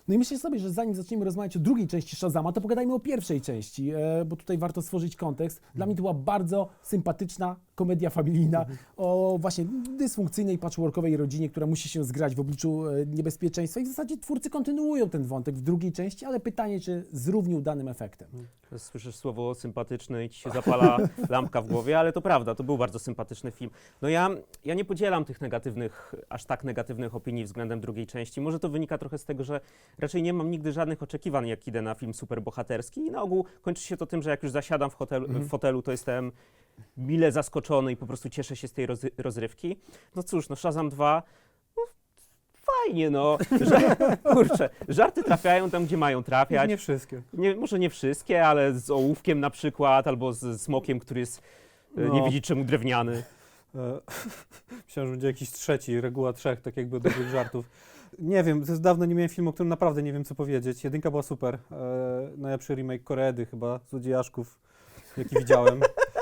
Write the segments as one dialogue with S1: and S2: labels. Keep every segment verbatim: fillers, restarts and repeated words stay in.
S1: No i myślę sobie, że zanim zaczniemy rozmawiać o drugiej części Shazama, to pogadajmy o pierwszej części, e, bo tutaj warto stworzyć kontekst. Dla mnie to była bardzo sympatyczna komedia familijna mhm. o właśnie dysfunkcyjnej, patchworkowej rodzinie, która musi się zgrać w obliczu e, niebezpieczeństwa i w zasadzie twórcy kontynuują ten wątek w drugiej części, ale pytanie, czy z równie udanym efektem.
S2: Słyszysz słowo sympatyczne i ci się zapala lampka w głowie, ale to prawda, to był bardzo sympatyczny film. No ja, ja nie podzielam tych negatywnych, aż tak negatywnych opinii względem drugiej części. Może to wynika trochę z tego, że raczej nie mam nigdy żadnych oczekiwań, jak idę na film superbohaterski i na ogół kończy się to tym, że jak już zasiadam w, hotel, w fotelu, to jestem mile zaskoczony i po prostu cieszę się z tej roz, rozrywki. No cóż, no Shazam dwa, no fajnie, no. Że, kurczę, żarty trafiają tam, gdzie mają trafiać.
S3: Nie wszystkie.
S2: Nie, może nie wszystkie, ale z ołówkiem na przykład, albo z smokiem, który jest,
S3: No.
S2: nie widzi czemu drewniany.
S3: E, Myślałem, że będzie jakiś trzeci, reguła trzech, tak jakby dobrych żartów. Nie wiem, to jest dawno nie miałem filmu, o którym naprawdę nie wiem, co powiedzieć. Jedynka była super. E, najlepszy remake Koreedy chyba, Złodziejaszków, jaki widziałem.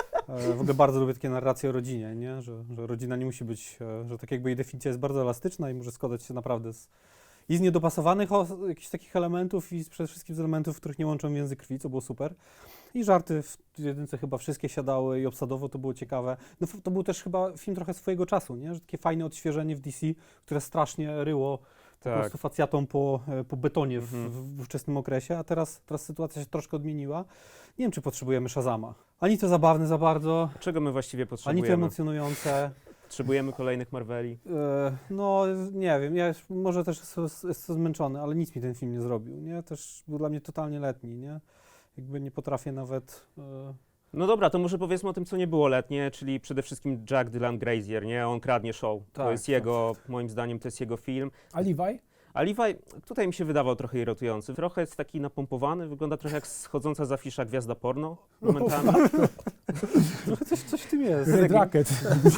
S3: E, w ogóle bardzo lubię takie narracje o rodzinie, nie? Że, że rodzina nie musi być, e, że tak jakby jej definicja jest bardzo elastyczna i może składać się naprawdę z, i z niedopasowanych o, jakichś takich elementów i z, przede wszystkim z elementów, których nie łączą więzy krwi, co było super. I żarty w jedynce chyba wszystkie siadały i obsadowo to było ciekawe. No to był też chyba film trochę swojego czasu, nie? Że takie fajne odświeżenie w D C, które strasznie ryło po
S2: Tak.
S3: prostu facjatą po, po betonie w,
S2: Mhm.
S3: w, w ówczesnym okresie, a teraz, teraz sytuacja się troszkę odmieniła. Nie wiem, czy potrzebujemy Shazama. Ani to zabawne za bardzo,
S2: Czego my właściwie
S3: ani to
S2: potrzebujemy?
S3: emocjonujące.
S2: Potrzebujemy kolejnych Marveli.
S3: E, no, nie wiem, ja już może też jestem, jestem zmęczony, ale nic mi ten film nie zrobił, nie? Też był dla mnie totalnie letni, nie? Jakby nie potrafię nawet... E,
S2: No dobra, to może powiedzmy o tym, co nie było letnie, czyli przede wszystkim Jack Dylan Grazer, nie? On kradnie show. to
S3: Tak,
S2: jest
S3: tak.
S2: jego, moim zdaniem, to jest jego film.
S1: A Levi?
S2: A Levi tutaj mi się wydawał trochę irytujący. Trochę jest taki napompowany, wygląda trochę jak schodząca z afisza gwiazda porno momentami.
S3: trochę coś, coś w tym jest.
S1: Red Rocket.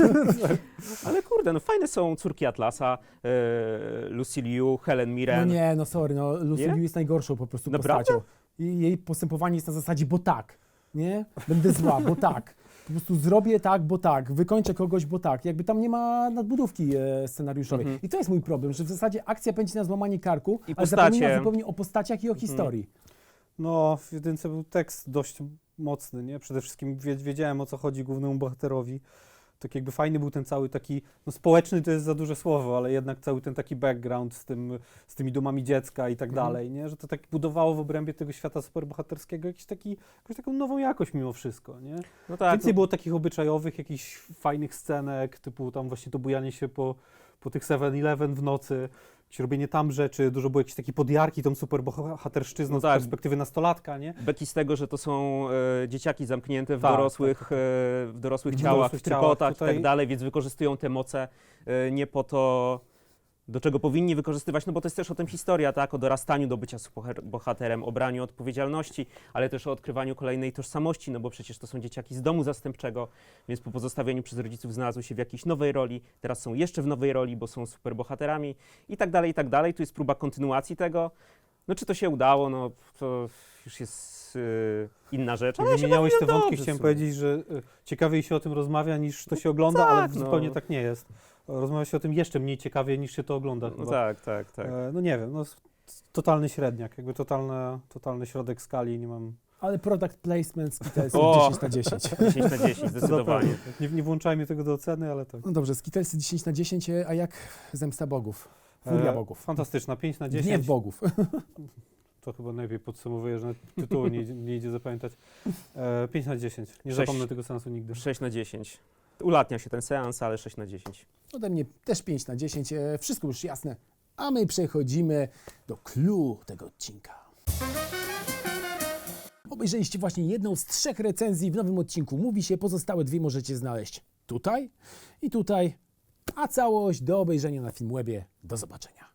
S2: Ale kurde, no fajne są córki Atlasa, e, Lucy Liu, Helen
S1: No
S2: Mirren.
S1: nie, no sorry, no Lucy
S2: Nie?
S1: Liu jest najgorszą po prostu
S2: Naprawdę?
S1: postacią. I jej postępowanie jest na zasadzie, bo tak, nie? Będę zła, bo tak. Po prostu zrobię tak, bo tak, wykończę kogoś, bo tak. Jakby tam nie ma nadbudówki e, scenariuszowej.
S2: Mhm.
S1: I to jest mój problem, że w zasadzie akcja pędzi na złamanie karku,
S2: I
S1: ale
S2: postacie.
S1: zapomina zupełnie o postaciach i o historii.
S3: No, w jedynce był tekst dość mocny, nie? Przede wszystkim wie, wiedziałem, o co chodzi głównemu bohaterowi. Tak jakby fajny był ten cały taki, no społeczny to jest za duże słowo, ale jednak cały ten taki background z, tym, z tymi domami dziecka i tak
S1: Mhm.
S3: dalej, nie? Że to tak budowało w obrębie tego świata superbohaterskiego jakiś taki, jakąś taką nową jakość mimo wszystko, nie?
S2: No tak,
S3: Więcej
S2: no,
S3: było takich obyczajowych, jakichś fajnych scenek, typu tam właśnie to bujanie się po, po tych seven eleven w nocy, jakieś robienie tam rzeczy, dużo było jakiejś takiej podjarki tą superbohaterszczyzną
S2: No
S3: z
S2: tak.
S3: perspektywy nastolatka, nie?
S2: beki z tego, że to są e, dzieciaki zamknięte w
S3: Tak,
S2: dorosłych,
S3: tak,
S2: e, w dorosłych
S3: W
S2: ciałach,
S3: dorosłych
S2: w trykotach
S3: ciałach.
S2: i
S3: Tutaj-
S2: tak dalej, więc wykorzystują te moce e, nie po to, do czego powinni wykorzystywać, no bo to jest też o tym historia, tak, o dorastaniu do bycia superbohaterem, o braniu odpowiedzialności, ale też o odkrywaniu kolejnej tożsamości, no bo przecież to są dzieciaki z domu zastępczego, więc po pozostawieniu przez rodziców znalazły się w jakiejś nowej roli, teraz są jeszcze w nowej roli, bo są superbohaterami i tak dalej, i tak dalej. Tu jest próba kontynuacji tego. No czy to się udało, no to już jest yy, inna rzecz, ale
S3: Jak
S2: ja się
S3: wymieniałeś te
S2: bawiłem
S3: wątki,
S2: dobrze
S3: chciałem
S2: w sumie.
S3: powiedzieć, że y, ciekawiej się o tym rozmawia niż to się ogląda,
S2: tak,
S3: ale
S2: no.
S3: zupełnie tak nie jest. Rozmawia się o tym jeszcze mniej ciekawie niż się to ogląda
S2: No
S3: chyba.
S2: tak, tak, tak.
S3: E, no nie wiem, no s- totalny średniak, jakby totalne, totalny środek skali, nie mam...
S1: Ale product placement Skittlesy
S2: O!
S1: dziesięć na dziesięć.
S2: dziesięć na dziesięć, zdecydowanie.
S3: Zapewne. Nie, nie włączajmy tego do oceny, ale tak.
S1: No dobrze, Skittlesy dziesięć na dziesięć, e, a jak Zemsta Bogów? Furia
S3: E,
S1: Bogów.
S3: Fantastyczna, pięć na
S1: Gniew
S3: dziesięć.
S1: Bogów.
S3: To chyba najlepiej podsumowuje, że nawet tytułu nie, idzie- nie idzie zapamiętać. E, pięć na dziesięć. Nie
S2: Sześć.
S3: zapomnę tego sensu nigdy.
S2: sześć na dziesięć. Ulatnia się ten seans, ale sześć na dziesięć.
S1: Ode mnie też pięć na dziesięć. E, Wszystko już jasne. A my przechodzimy do clou tego odcinka. Obejrzeliście właśnie jedną z trzech recenzji w nowym odcinku. Mówi się, pozostałe dwie możecie znaleźć tutaj i tutaj, a całość do obejrzenia na Filmwebie. Do zobaczenia.